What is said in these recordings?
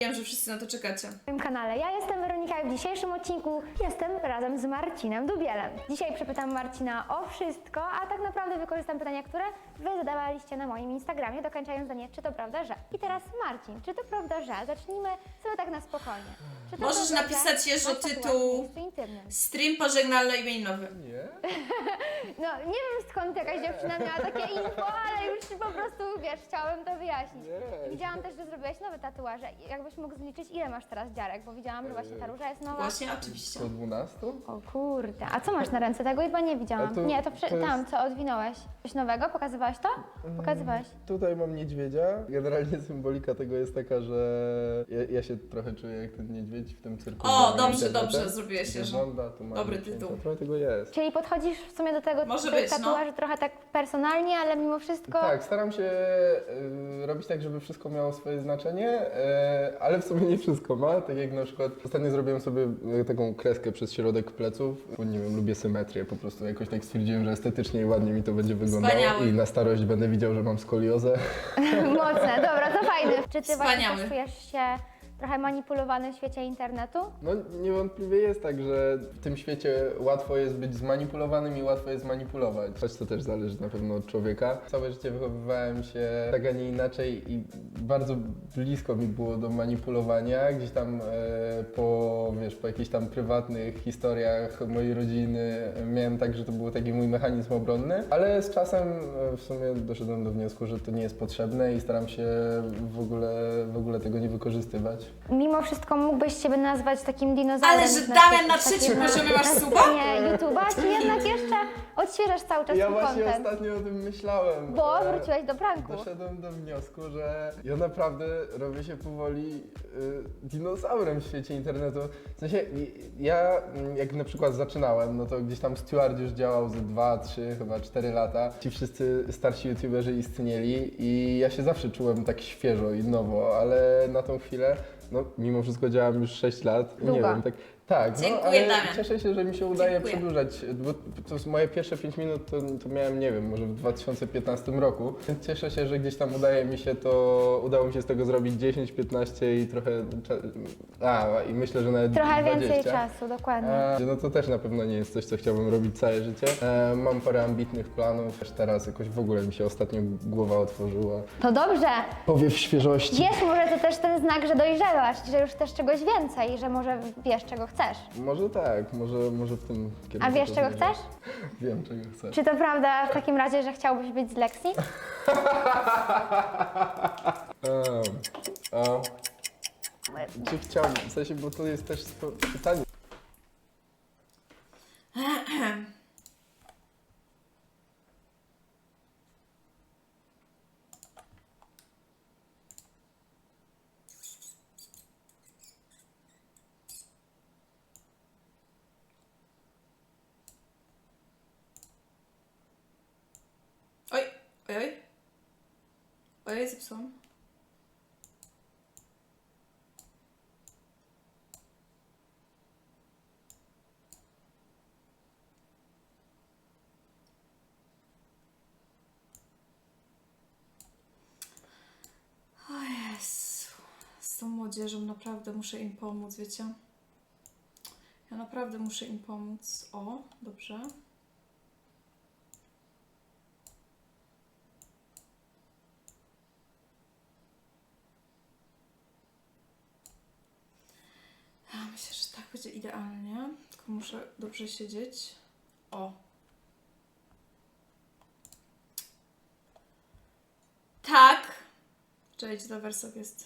Wiem, że wszyscy na to czekacie. Na moim kanale. Ja jestem Weronika i w dzisiejszym odcinku jestem razem z Marcinem Dubielem. Dzisiaj przepytam Marcina o wszystko, a tak naprawdę wykorzystam pytania, które Wy zadawaliście na moim Instagramie, dokończając zdanie, czy to prawda, że. I teraz Marcin, czy to prawda, że? Zacznijmy sobie tak na spokojnie. Czy to Możesz prawda, napisać że jeszcze masz tatuaż w tytuł miejscu intymnym? Stream pożegnalno-imieninowy. Nie? No, nie wiem skąd jakaś dziewczyna miała takie info, ale już po prostu, wiesz, chciałabym to wyjaśnić. Nie. Widziałam też, że zrobiłeś nowe tatuaże. Jakbyś mógł zliczyć, ile masz teraz dziarek, bo widziałam, że właśnie ta róża jest nowa. Właśnie, oczywiście. Po 12? O kurde, a co masz na ręce? Tego chyba nie widziałam. A to- Nie, to to jest- tam, co odwinąłeś. Coś nowego? Pokazywałeś to? Pokazywałeś. Tutaj mam niedźwiedzia. Generalnie symbolika tego jest taka, że ja się trochę czuję jak ten niedźwiedź w tym cyrku. O, z dobrze, internetem. dobrze, zrobiłeś się, Gdzie że... żąda, to ma Dobry dziecięta. tytuł. Trochę tego jest. Czyli podchodzisz w sumie do tego Może tych być, no. tatuaży trochę tak personalnie, ale mimo wszystko... Tak, staram się robić tak, żeby wszystko miało swoje znaczenie, ale w sumie nie wszystko ma. Tak jak na przykład ostatnio zrobiłem sobie taką kreskę przez środek pleców. Bo nie wiem, lubię symetrię po prostu. Jakoś tak stwierdziłem, że estetycznie i ładnie mi to będzie wyglądało. Wspaniały. I na starość będę widział, że mam skoliozę. Mocne, dobra, to fajne. Czy ty właśnie Wspaniały. też czujesz się trochę manipulowany w świecie internetu? No niewątpliwie jest tak, że w tym świecie łatwo jest być zmanipulowanym i łatwo jest manipulować. Choć to też zależy na pewno od człowieka. Całe życie wychowywałem się tak, a nie inaczej i bardzo blisko mi było do manipulowania. Gdzieś tam po jakichś tam prywatnych historiach mojej rodziny miałem tak, że to był taki mój mechanizm obronny, ale z czasem w sumie doszedłem do wniosku, że to nie jest potrzebne i staram się w ogóle tego nie wykorzystywać. Mimo wszystko mógłbyś siebie nazwać takim dinozaurem. Ale że na Damian na takim- trzecim poziomie masz na suba? scenie YouTube'a, czy jednak jeszcze odświeżasz cały czas Ja swój właśnie content? ostatnio o tym myślałem. Bo wróciłeś do pranku. Doszedłem do wniosku, że ja naprawdę robię się powoli dinozaurem w świecie internetu. W sensie ja jak na przykład zaczynałem, no to gdzieś tam Steward już działał ze 2, 3, chyba 4 lata. Ci wszyscy starsi youtuberzy istnieli i ja się zawsze czułem tak świeżo i nowo, ale na tą chwilę, no mimo wszystko działam już 6 lat. Nie Długo. wiem, tak, no, Dziękuję, ale Damian. cieszę się, że mi się udaje Dziękuję. przedłużać, bo to z moje pierwsze 5 minut to miałem, nie wiem, może w 2015 roku. Więc cieszę się, że gdzieś tam udało mi się z tego zrobić 10, 15 i trochę, i myślę, że nawet Trochę 20. więcej czasu, dokładnie. No to też na pewno nie jest coś, co chciałbym robić całe życie. Mam parę ambitnych planów, też teraz jakoś w ogóle mi się ostatnio głowa otworzyła. To dobrze. Powiew świeżości. Wiesz, może to też ten znak, że dojrzewasz, że już chcesz czegoś więcej, że może wiesz, czego chcesz. Może tak, może w tym kierunku. A wiesz, to czego zmierzam. chcesz? Wiem, czego chcę. Czy to prawda w takim razie, że chciałbyś być z Lexi? Czy chciałbym, w sensie, bo to jest też pytanie. Oj, oj, oj. Ojej, zepsułam. O Jezu. Z tą młodzieżą naprawdę muszę im pomóc, wiecie? Ja naprawdę muszę im pomóc. O, dobrze. Ja myślę, że tak będzie idealnie. Tylko muszę dobrze siedzieć. O. Tak. Cześć, to wersok jest.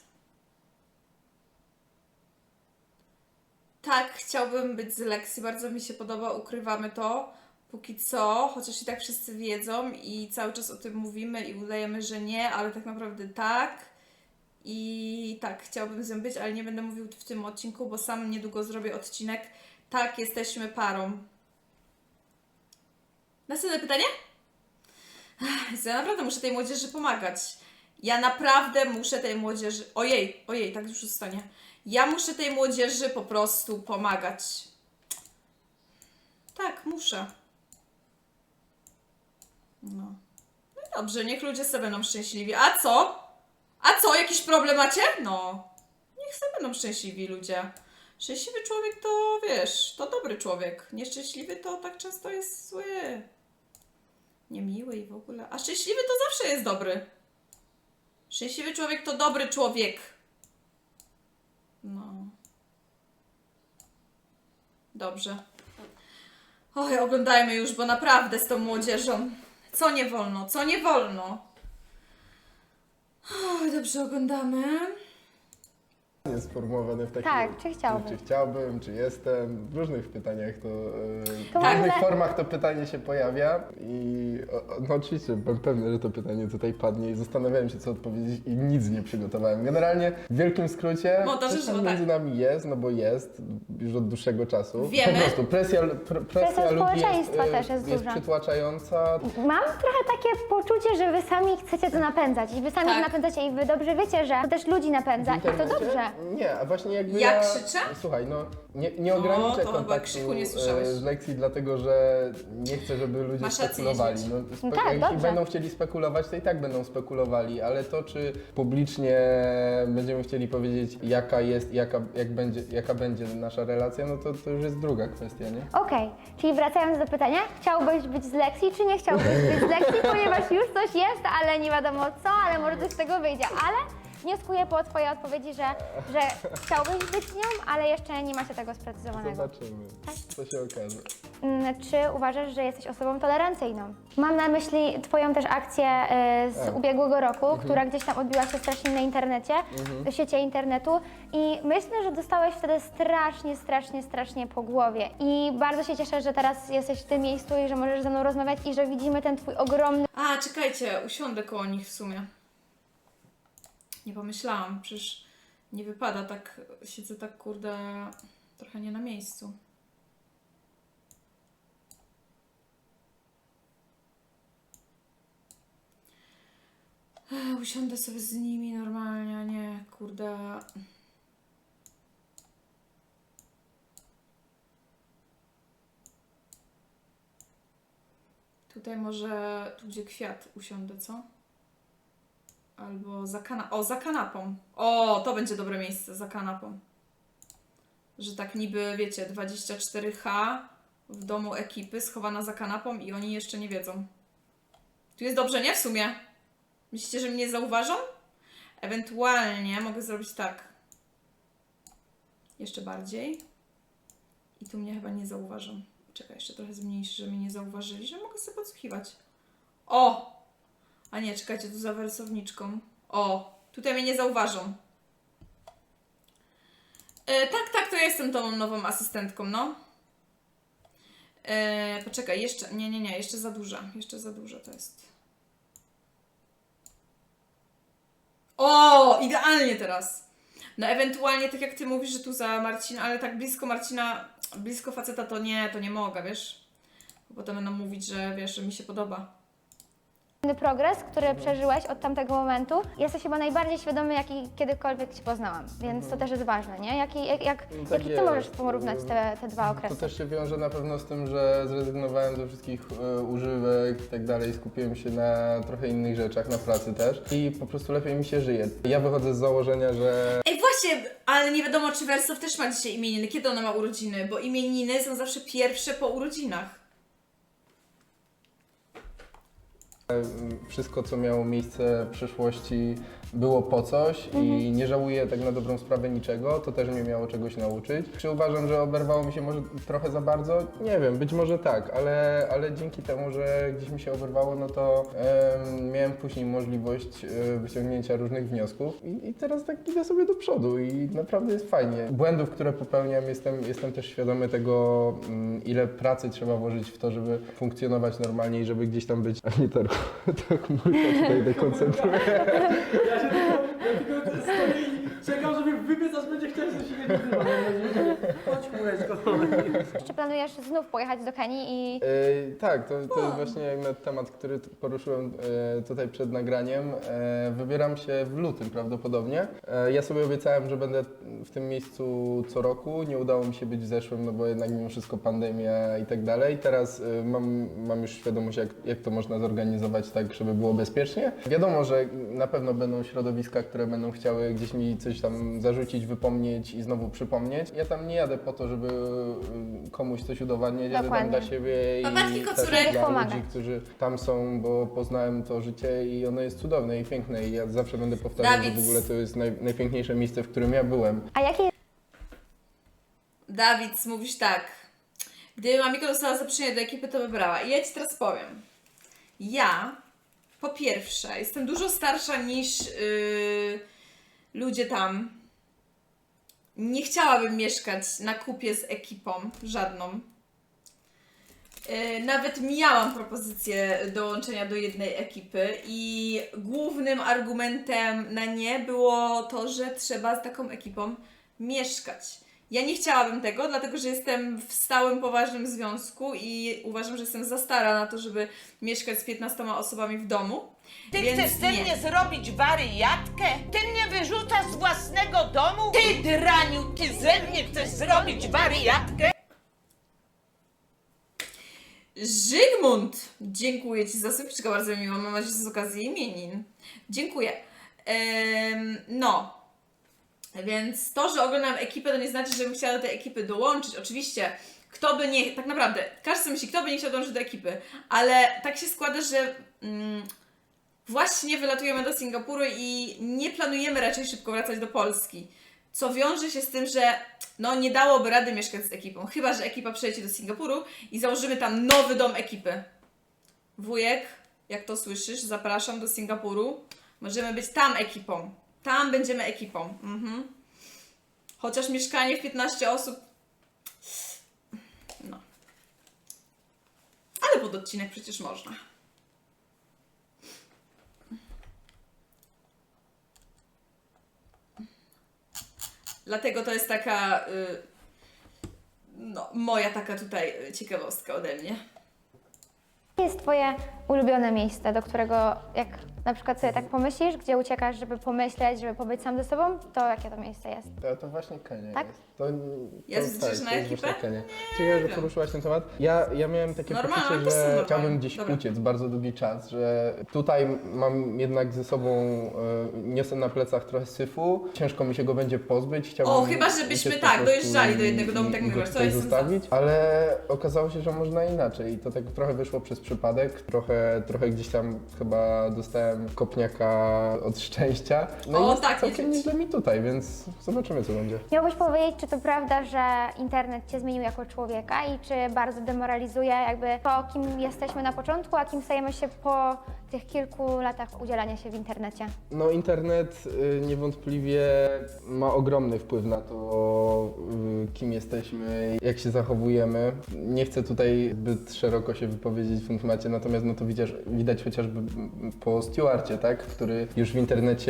Tak, chciałbym być z Lexi. Bardzo mi się podoba. Ukrywamy to. Póki co, chociaż i tak wszyscy wiedzą i cały czas o tym mówimy i udajemy, że nie, ale tak naprawdę tak. I tak, chciałabym z nią być, ale nie będę mówił w tym odcinku, bo sam niedługo zrobię odcinek. Tak, jesteśmy parą. Następne pytanie? Ja naprawdę muszę tej młodzieży pomagać. Ja naprawdę muszę tej młodzieży... Ojej, tak już zostanie. Ja muszę tej młodzieży po prostu pomagać. Tak, muszę. No. No i dobrze, niech ludzie sobie będą szczęśliwi. A co? A co? Jakiś problem macie? No. niech sobie będą szczęśliwi ludzie. Szczęśliwy człowiek to, wiesz, to dobry człowiek. Nieszczęśliwy to tak często jest zły. Niemiły i w ogóle. A szczęśliwy to zawsze jest dobry. Szczęśliwy człowiek to dobry człowiek. No. Dobrze. Oj, oglądajmy już, bo naprawdę z tą młodzieżą. Co nie wolno, co nie wolno. Oj, dobrze, oglądamy. Jest sformułowane w takim... Tak, czy chciałbyś? Czy chciałbym, czy jestem. W różnych pytaniach to... To w różnych może- formach to pytanie się pojawia i no oczywiście byłem pewny, że to pytanie tutaj padnie i zastanawiałem się, co odpowiedzieć i nic nie przygotowałem. Generalnie w wielkim skrócie Montażysta, coś tam tak. między nami jest, no bo jest już od dłuższego czasu. Wiemy. Po prostu presja ludzi społeczeństwa też jest jest duża. przytłaczająca. Mam trochę takie poczucie, że wy sami chcecie to napędzać i wy sami Tak. to napędzacie i wy dobrze wiecie, że to też ludzi napędza W i to internecie? dobrze. Nie, a właśnie jakby Jak ja... krzyczę? Słuchaj, no nie No, ograniczę to chyba kontaktu krzyku nie słyszałeś. z lekcji, dlatego że nie chcę, żeby ludzie Masz rację, spekulowali. niedźwiedź. No, No tak, jeśli dobrze. będą chcieli spekulować, to i tak będą spekulowali, ale to, czy publicznie będziemy chcieli powiedzieć, jaka jest, jaka będzie nasza relacja, no to już jest druga kwestia, nie? Okej, czyli wracając do pytania, chciałbyś być z lekcji, czy nie chciałbyś być z lekcji, ponieważ już coś jest, ale nie wiadomo co, ale może coś z tego wyjdzie, ale wnioskuję po twojej odpowiedzi, że chciałbyś być z nią, ale jeszcze nie macie tego sprecyzowanego. Zobaczymy, co się okaże. Czy uważasz, że jesteś osobą tolerancyjną? Mam na myśli twoją też akcję z ubiegłego roku, która gdzieś tam odbiła się strasznie na internecie, w świecie internetu i myślę, że dostałeś wtedy strasznie po głowie i bardzo się cieszę, że teraz jesteś w tym miejscu i że możesz ze mną rozmawiać i że widzimy ten twój ogromny A, czekajcie, usiądę koło nich w sumie. Nie pomyślałam, przecież nie wypada tak, siedzę tak kurde trochę nie na miejscu. Usiądę sobie z nimi normalnie, a nie kurde. Tutaj może, tu gdzie kwiat usiądę, co? Albo za kanapą. O, to będzie dobre miejsce, za kanapą. Że tak niby, wiecie, 24H w domu ekipy, schowana za kanapą i oni jeszcze nie wiedzą. Tu jest dobrze, nie? W sumie. Myślicie, że mnie zauważą? Ewentualnie mogę zrobić tak. Jeszcze bardziej. I tu mnie chyba nie zauważą. Czekaj, jeszcze trochę zmniejszy, że mnie nie zauważyli, że mogę sobie podsłuchiwać. O! A nie, czekajcie, tu za wersowniczką. O! Tutaj mnie nie zauważą. Tak, to ja jestem tą nową asystentką, no. Poczekaj, jeszcze, nie, jeszcze za duża. Jeszcze za duża to jest. O! Idealnie teraz! No ewentualnie, tak jak ty mówisz, że tu za Marcina, ale tak blisko Marcina, blisko faceta to nie mogę, wiesz? Bo potem będą mówić, że wiesz, że mi się podoba. progres, który przeżyłeś od tamtego momentu. Jesteś chyba najbardziej świadomy, jaki kiedykolwiek Cię poznałam, więc to też jest ważne, nie? Tak Jaki Ty jest. możesz porównać te dwa To okresy? też się wiąże na pewno z tym, że zrezygnowałem ze wszystkich używek i tak dalej, skupiłem się na trochę innych rzeczach, na pracy też i po prostu lepiej mi się żyje. Ja wychodzę z założenia, że Ej, właśnie, ale nie wiadomo, czy Wersow też ma dzisiaj imieniny. Kiedy ona ma urodziny? Bo imieniny są zawsze pierwsze po urodzinach. wszystko, co miało miejsce w przeszłości, było po coś i nie żałuję tak na dobrą sprawę niczego, to też mnie miało czegoś nauczyć. Czy uważam, że oberwało mi się może trochę za bardzo? Nie wiem, być może tak, ale dzięki temu, że gdzieś mi się oberwało, no to miałem później możliwość wyciągnięcia różnych wniosków i teraz tak idę sobie do przodu i naprawdę jest fajnie. Błędów, które popełniam, jestem też świadomy tego, ile pracy trzeba włożyć w to, żeby funkcjonować normalnie i żeby gdzieś tam być, a nie tak chmurka tutaj dekoncentruję. Ja tylko stoję i czekam, żeby wybiec, aż będzie chciał, że się nie nazywa. Chodź, chmureczko. Czy planujesz znów pojechać do Kenii i Tak, to jest właśnie temat, który poruszyłem tutaj przed nagraniem. Wybieram się w lutym prawdopodobnie. Ja sobie obiecałem, że będę w tym miejscu co roku. Nie udało mi się być w zeszłym, no bo jednak mimo wszystko pandemia i tak dalej. Teraz mam już świadomość, jak to można zorganizować tak, żeby było bezpiecznie. Wiadomo, że na pewno będą środowiska, które będą chciały gdzieś mi coś tam zarzucić wrócić, wypomnieć i znowu przypomnieć. Ja tam nie jadę po to, żeby komuś coś udowadniać, jadę tam Dokładnie. dla siebie Babetki, i też kocurek. dla Pomagać. ludzi, którzy tam są, bo poznałem to życie i ono jest cudowne i piękne i ja zawsze będę powtarzał, że Dawid. w ogóle to jest najpiękniejsze miejsce, w którym ja byłem. A jakie Dawid, mówisz tak. Gdyby Mamiko dostała zaproszenie do ekipy, to wybrała. I ja Ci teraz powiem. Ja, po pierwsze, jestem dużo starsza niż ludzie tam. Nie chciałabym mieszkać na kupie z ekipą, żadną. Nawet miałam propozycję dołączenia do jednej ekipy i głównym argumentem na nie było to, że trzeba z taką ekipą mieszkać. Ja nie chciałabym tego, dlatego że jestem w stałym, poważnym związku i uważam, że jestem za stara na to, żeby mieszkać z 15 osobami w domu. Ty Więc chcesz ze nie. mnie zrobić wariatkę? Ty mnie wyrzucasz z własnego domu? Ty draniu, ty ze mnie chcesz zrobić wariatkę? Żygmunt! Dziękuję Ci za subiczkę, bardzo miło. Mam nadzieję, że z okazji imienin. Dziękuję. No. Więc to, że oglądam ekipę, to nie znaczy, że bym chciała do tej ekipy dołączyć. Oczywiście, kto by nie... Tak naprawdę, każdy sobie myśli, kto by nie chciał dołączyć do ekipy. Ale tak się składa, że właśnie wylatujemy do Singapuru i nie planujemy raczej szybko wracać do Polski. Co wiąże się z tym, że no nie dałoby rady mieszkać z ekipą. Chyba że ekipa przejdzie do Singapuru i założymy tam nowy dom ekipy. Wujek, jak to słyszysz, zapraszam do Singapuru. Możemy być tam ekipą. Tam będziemy ekipą. Chociaż mieszkanie w 15 osób... No. Ale pod odcinek przecież można. Dlatego to jest taka... no, moja taka tutaj ciekawostka ode mnie. jest Twoje ulubione miejsce, do którego jak na przykład sobie tak pomyślisz, gdzie uciekasz, żeby pomyśleć, żeby pobyć sam ze sobą, to jakie to miejsce jest? To właśnie Kenia Tak? jest. To Jest tak, gdzieś na to jest ekipę? właśnie Kenia. Ciekawe, że poruszyłaś ten temat. Ja miałem takie Normalne, poczucie, to są że normalne. chciałbym gdzieś Dobra. uciec bardzo długi czas, że tutaj mam jednak ze sobą, niosę na plecach trochę syfu, ciężko mi się go będzie pozbyć. Chciałbym O, chyba żebyśmy uciec tak, po prostu dojeżdżali do jednego domu, tak i go mówiłaś, to tutaj jestem za. zostawić, ale okazało się, że można inaczej i to tak trochę wyszło przez przypadek, trochę gdzieś tam chyba dostałem kopniaka od szczęścia. No O, i jest tak, całkiem nie nieźle mi tutaj, więc zobaczymy co będzie. Miałbyś powiedzieć, czy to prawda, że internet Cię zmienił jako człowieka i czy bardzo demoralizuje jakby to, kim jesteśmy na początku, a kim stajemy się po tych kilku latach udzielania się w internecie? No internet niewątpliwie ma ogromny wpływ na to, kim jesteśmy, jak się zachowujemy. Nie chcę tutaj zbyt szeroko się wypowiedzieć w tym temacie, natomiast no to widać chociażby po Stewarcie, tak? Który już w internecie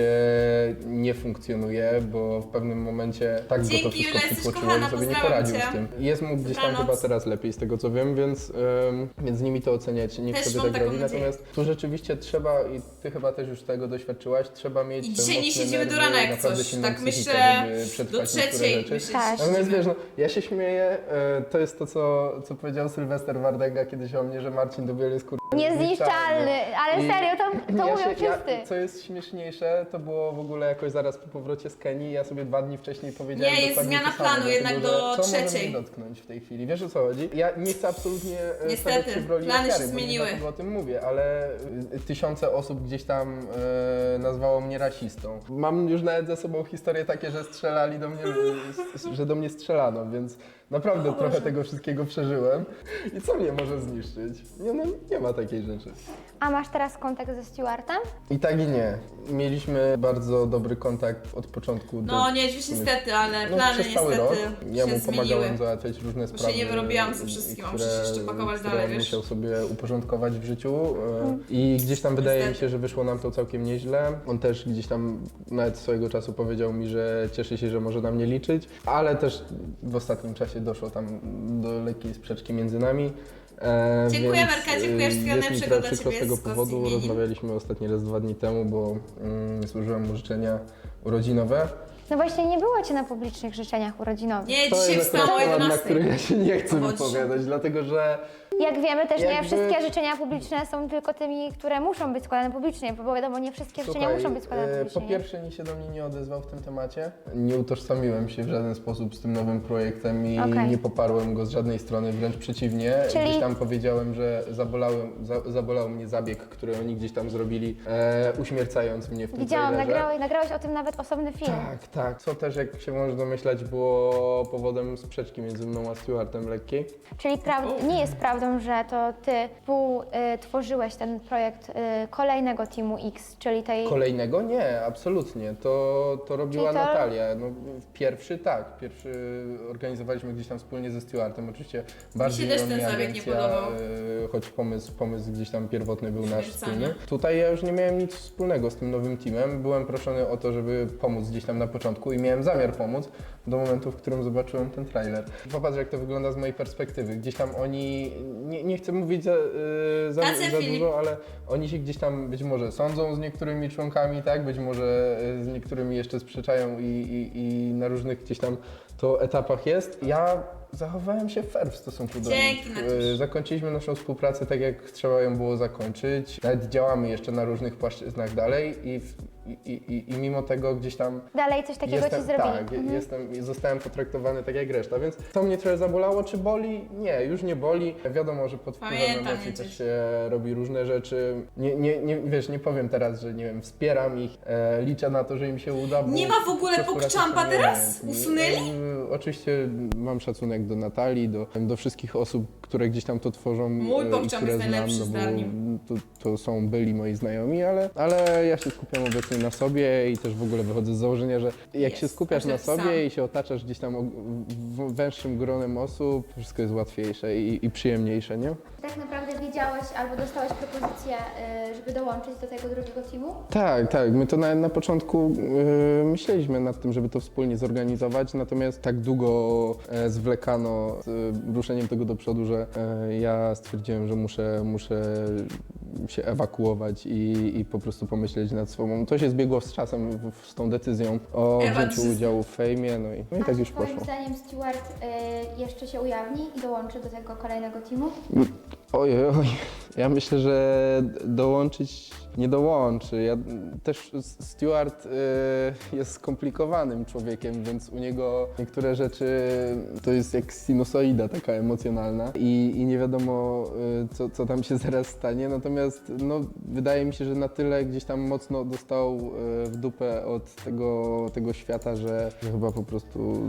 nie funkcjonuje, bo w pewnym momencie tak go to Dzięki, wszystko Julia, jesteś przytłoczyło, kochana, że sobie nie pozdrawiam poradził cię. z tym. Jest mu gdzieś tam Dobranoc. chyba teraz lepiej z tego co wiem, więc z nimi to oceniać, niech Też sobie mam tak taką robi. nadzieję. Natomiast tu rzeczywiście trzeba, i ty chyba też już tego doświadczyłaś, trzeba mieć I te dzisiaj nie mocne siedzimy do nerwy, rana jak naprawdę coś. silną Tak psychikę, myślę żeby do przetrwać niektóre trzeciej. rzeczy. Myślę, Tak. że Natomiast siedzimy. wiesz, no, ja się śmieję, to jest to, co powiedział Sylwester Wardęga kiedyś o mnie, że Marcin Dubiel jest Niezniszczalny, ale I serio, to mówią wszyscy. Co jest śmieszniejsze, to było w ogóle jakoś zaraz po powrocie z Kenii, ja sobie 2 dni wcześniej powiedziałem Nie, jest dokładnie zmiana to samo, planu jednak dlatego, do że co może trzeciej. mnie dotknąć w tej chwili, wiesz o co chodzi? Ja nie chcę absolutnie Niestety, stawiać się w roli plany się ofiary, bo nie zmieniły. dlatego o tym mówię, ale tysiące osób gdzieś tam nazwało mnie rasistą. Mam już nawet za sobą historie takie, że strzelali do mnie, że do mnie strzelano, więc naprawdę trochę tego wszystkiego przeżyłem. I co mnie może zniszczyć? Nie ma takiej rzeczy. A masz teraz kontakt ze Stewartem? I tak i nie. Mieliśmy bardzo dobry kontakt od początku. No nie, dziś niestety, ale No, plany przez cały rok. niestety Ja się mu zmieniły. pomagałem załatwiać różne Bo się sprawy. nie wyrobiłam ze wszystkim, a muszę się jeszcze pakować które dalej, on wiesz. musiał sobie uporządkować w życiu i gdzieś tam wydaje mi Niestety. się, że wyszło nam to całkiem nieźle. On też gdzieś tam nawet swojego czasu powiedział mi, że cieszy się, że może na mnie liczyć, ale też w ostatnim czasie doszło tam do lekkiej sprzeczki między nami. Dziękuję, Więc, Marka, dziękuję, wszystkiego jest mi najlepszego trochę dla przykro z Ciebie tego z okazji powodu. imienin. Rozmawialiśmy ostatni raz 2 dni temu, bo złożyłem mu życzenia urodzinowe. No właśnie nie było Cię na publicznych życzeniach urodzinowych. Nie, To dzisiaj jest wstałam o akurat temat, na 11. który ja się nie chcę Chodź. wypowiadać, dlatego że Jak wiemy też nie Jakby- wszystkie życzenia publiczne są tylko tymi, które muszą być składane publicznie, bo wiadomo, nie wszystkie życzenia muszą być składane po publicznie. nie? pierwsze nikt się do mnie nie odezwał w tym temacie. Nie utożsamiłem się w żaden sposób z tym nowym projektem i Okej. nie poparłem go z żadnej strony, wręcz przeciwnie. Czyli- Gdzieś tam powiedziałem, że zabolał mnie zabieg, który oni gdzieś tam zrobili, uśmiercając mnie w tym Widziałam, trailerze. nagrałeś o tym nawet osobny film. Tak, tak. Co też, jak się można domyślać, było powodem sprzeczki między mną a Stewartem lekkiej. Czyli nie jest prawdą, że to ty tworzyłeś ten projekt kolejnego Teamu X, czyli tej... Kolejnego? Nie, absolutnie. To robiła Czyli to- Natalia. No, pierwszy tak. Pierwszy organizowaliśmy gdzieś tam wspólnie ze Stewartem. Oczywiście bardziej też o ten mnie zabieg nie agencja, podobał. choć pomysł gdzieś tam pierwotny był nasz Śmiercania. wspólny. Tutaj ja już nie miałem nic wspólnego z tym nowym teamem. Byłem proszony o to, żeby pomóc gdzieś tam na początku i miałem zamiar pomóc do momentu, w którym zobaczyłem ten trailer. Popatrz, jak to wygląda z mojej perspektywy. Gdzieś tam oni, nie chcę mówić za Tacy, Filip. dużo, ale oni się gdzieś tam być może sądzą z niektórymi członkami, tak? Być może z niektórymi jeszcze sprzeczają i na różnych gdzieś tam to etapach jest. Ja zachowałem się fair w stosunku do Dzięki, nich. Natusz. Zakończyliśmy naszą współpracę tak, jak trzeba ją było zakończyć. Nawet działamy jeszcze na różnych płaszczyznach dalej i mimo tego gdzieś tam Dalej coś takiego ci zrobili. tak, zostałem potraktowany tak jak reszta, więc to mnie trochę zabolało. Czy boli? Nie, już nie boli. Wiadomo, że pod wpływem Pamiętam emocji przecież. też się robi różne rzeczy. Wiesz, nie powiem teraz, że nie wiem, wspieram ich, liczę na to, że im się uda. Bo Nie ma w ogóle po prostu pokczampa raczej są teraz? umiejętni. Usunęli? Oczywiście mam szacunek do Natalii, do wszystkich osób, które gdzieś tam to tworzą Mój i pokczam które jest najlepszy, znam, zdarnił. to są byli moi znajomi, ale ja się skupiam obecnie na sobie i też w ogóle wychodzę z założenia, że jak Jest, się skupiasz na każdy sam. sobie i się otaczasz gdzieś tam węższym gronem osób, wszystko jest łatwiejsze i przyjemniejsze, nie? Tak naprawdę wiedziałeś albo dostałeś propozycję, żeby dołączyć do tego drugiego teamu? Tak, tak. My to na początku myśleliśmy nad tym, żeby to wspólnie zorganizować, natomiast tak długo zwlekano z ruszeniem tego do przodu, że ja stwierdziłem, że muszę się ewakuować i po prostu pomyśleć nad sobą. To się zbiegło z czasem, z tą decyzją o wzięciu udziału w fejmie, no i tak już Twoim poszło. zdaniem Stewart jeszcze się ujawni i dołączy do tego kolejnego teamu? Oj, ja myślę, że dołączyć nie dołączy. Ja też Stewart jest skomplikowanym człowiekiem, więc u niego niektóre rzeczy to jest jak sinusoida taka emocjonalna i nie wiadomo co tam się zaraz stanie, natomiast no, wydaje mi się, że na tyle gdzieś tam mocno dostał w dupę od tego świata, że chyba po prostu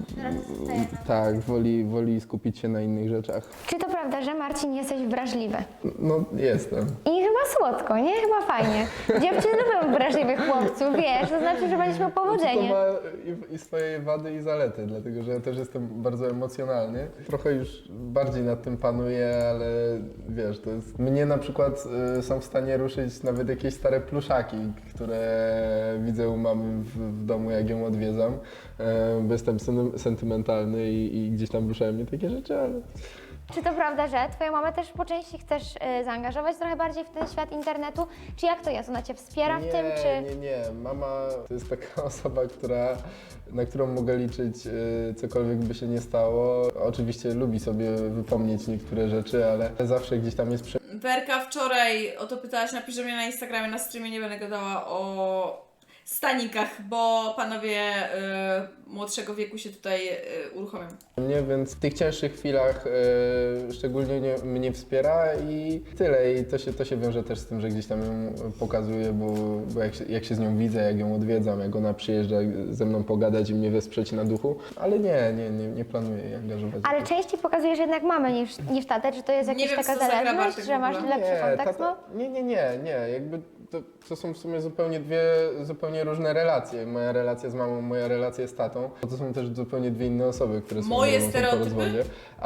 tak, woli skupić się na innych rzeczach. Czy to prawda, że Marcin jesteś wrażliwy? No jestem. I chyba słodko, nie? Chyba fajnie. Dziewczyny lubią wrażliwych chłopców, wiesz, to znaczy, że będziesz miał powodzenie. To ma i swoje wady i zalety, dlatego że ja też jestem bardzo emocjonalny. Trochę już bardziej nad tym panuję, ale wiesz, to jest... Mnie na przykład są w stanie ruszyć nawet jakieś stare pluszaki, które widzę u mamy w domu, jak ją odwiedzam, bo jestem sentymentalny i gdzieś tam ruszają mnie takie rzeczy, ale... Czy to prawda, że twoją mamę też po części chcesz zaangażować trochę bardziej w ten świat internetu? Czy jak to jest? Ona cię wspiera w tym, czy... Nie. Mama to jest taka osoba, na którą mogę liczyć, cokolwiek by się nie stało. Oczywiście lubi sobie wypomnieć niektóre rzeczy, ale zawsze gdzieś tam jest Werka wczoraj o to pytałaś, napisze mnie na Instagramie, na streamie nie będę gadała o stanikach, bo panowie młodszego wieku się tutaj uruchomią. mnie, więc w tych cięższych chwilach szczególnie mnie wspiera i tyle. I to się wiąże też z tym, że gdzieś tam ją pokazuję, bo jak się z nią widzę, jak ją odwiedzam, jak ona przyjeżdża ze mną pogadać i mnie wesprzeć na duchu, ale nie planuję jej angażować. Ale częściej pokazujesz jednak mamę niż tatę, czy to jest Nie jakaś wiem, taka co zagra zależność, Bartek że w masz ogóle. lepszy kontakt? No? Nie. Jakby to są w sumie dwie zupełnie różne relacje. Moja relacja z mamą, moja relacja z tatą. To są też zupełnie dwie inne osoby, które są Moje ze mną po stereotypy? rozwodzie.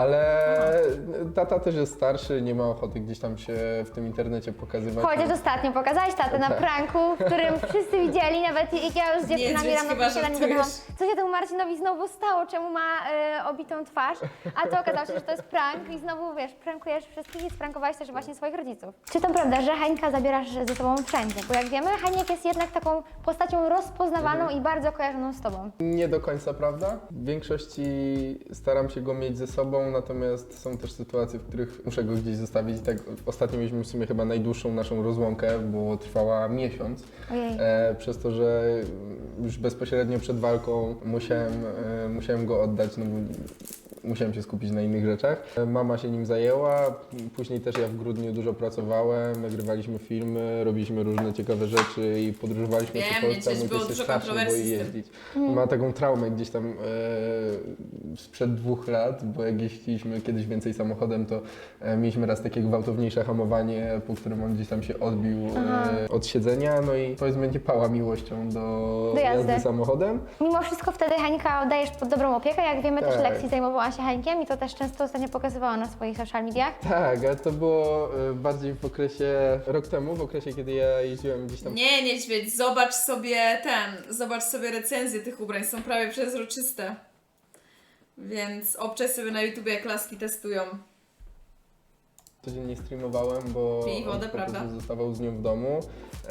Ale tata też jest starszy, nie ma ochoty gdzieś tam się w tym internecie pokazywać. Chociaż ostatnio pokazałeś tatę na Tak. pranku, w którym wszyscy widzieli, nawet jak ja już z dziewczynami Niedźwiedź, rano chyba posiadanie żartujesz. gadałam, co się temu Marcinowi znowu stało, czemu ma obitą twarz, a to okazało się, że to jest prank i znowu, wiesz, prankujesz wszystkich i sprankowałeś też właśnie swoich rodziców. Czy to prawda, że Hańka zabierasz ze sobą wszędzie? Bo jak wiemy, Haniek jest jednak taką postacią postacią rozpoznawalną i bardzo kojarzoną z tobą. Nie do końca prawda. W większości staram się go mieć ze sobą, natomiast są też sytuacje, w których muszę go gdzieś zostawić. I tak ostatnio mieliśmy w sumie chyba najdłuższą naszą rozłąkę, bo trwała miesiąc. Ojej. Przez to, że już bezpośrednio przed walką musiałem go oddać, no bo musiałem się skupić na innych rzeczach. Mama się nim zajęła, później też ja w grudniu dużo pracowałem, nagrywaliśmy filmy, robiliśmy różne ciekawe rzeczy i podróżowaliśmy Wiem, po Polsce, a niegdzieś mój było pies się dużo strasznie kontrowersji boi z tym. jeździć. Ma taką traumę gdzieś tam sprzed 2 lat, bo jak jeździliśmy kiedyś więcej samochodem, to mieliśmy raz takie gwałtowniejsze hamowanie, po którym on gdzieś tam się odbił od siedzenia, no i powiedzmy nie pała miłością do jazdy. jazdy samochodem. Mimo wszystko wtedy Hańka oddajesz pod dobrą opiekę. Jak wiemy, też Tak. Lexi zajmowała się Hańkiem i to też często ostatnio pokazywała na swoich social mediach. Tak, ale to było bardziej w okresie, rok temu, w okresie, kiedy ja jeździłem gdzieś tam. Nie, niedźwiedź, zobacz sobie recenzje tych ubrań, są prawie przezroczyste. Więc obczaj sobie na YouTubie, jak laski testują. Codziennie streamowałem, bo Pij wodę, on po prostu prawda? zostawał z nią w domu,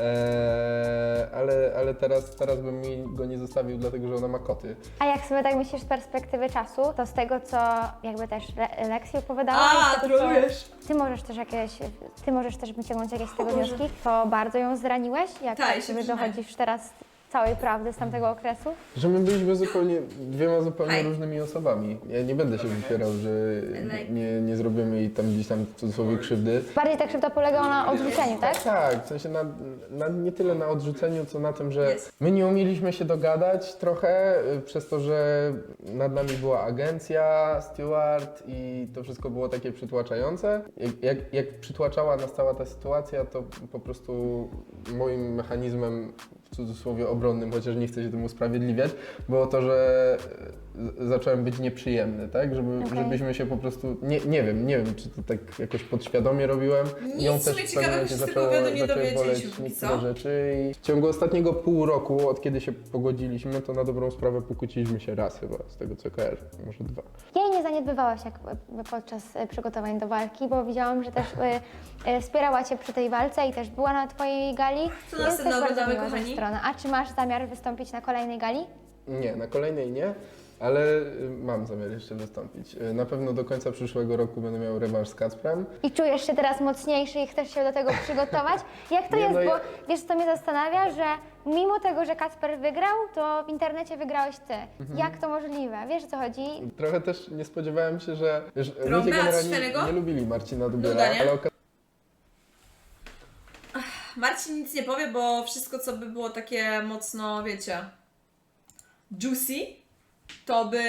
ale teraz bym mi go nie zostawił, dlatego że ona ma koty. A jak sobie tak myślisz z perspektywy czasu, to z tego, co jakby też Lexi opowiadała, i z tego, co ty możesz też wyciągnąć jakieś z tego wnioski, to bardzo ją zraniłeś, jak Tak, tak się sobie przyznaję. dochodzisz teraz całej prawdy z tamtego okresu? Że my byliśmy dwiema zupełnie Hej. różnymi osobami. Ja nie będę się wypierał, że nie zrobimy jej tam gdzieś tam w cudzysłowie krzywdy. Bardziej ta krzywda polegała na odrzuceniu, tak? Tak, w sensie nie tyle na odrzuceniu, co na tym, że Jest. my nie umieliśmy się dogadać trochę, przez to, że nad nami była agencja, steward i to wszystko było takie przytłaczające. Jak przytłaczała nas cała ta sytuacja, to po prostu moim mechanizmem w cudzysłowie obronnym, chociaż nie chcę się tym usprawiedliwiać, było to, że zacząłem być nieprzyjemny, tak? Żebyśmy się po prostu, nie wiem, czy to tak jakoś podświadomie robiłem. Nic w sumie ciekawego się z tego wywiadu nie dowiedzieliśmy póki niektóre co. rzeczy i w ciągu ostatniego pół roku, od kiedy się pogodziliśmy, to na dobrą sprawę pokłóciliśmy się raz chyba, z tego co kojarzę, może 2. Jej nie zaniedbywałaś jak podczas przygotowań do walki, bo widziałam, że też wspierała Cię przy tej walce i też była na Twojej gali. Co więc następne też bardzo oglądamy, miła kochani? strona. A czy masz zamiar wystąpić na kolejnej gali? Nie, na kolejnej nie, ale mam zamiar jeszcze wystąpić. Na pewno do końca przyszłego roku będę miał rewanż z Kacprem. I czujesz się teraz mocniejszy i chcesz się do tego przygotować? Jak to Nie, jest? no Bo ja- wiesz, co mnie zastanawia, że mimo tego, że Kacper wygrał, to w internecie wygrałeś Ty. Jak to możliwe? Wiesz, o co chodzi? Trochę też nie spodziewałem się, że ludzie Trąbę generalnie Świętego? nie lubili Marcina Dubiela, Duda, nie? ale Marcin nic nie powie, bo wszystko, co by było takie mocno, wiecie, juicy, to by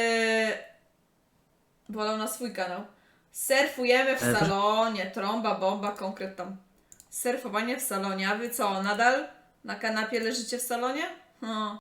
wolał na swój kanał. Surfujemy w salonie, trąba, bomba, konkret tam. Surfowanie w salonie, a wy co, nadal na kanapie leżycie w salonie?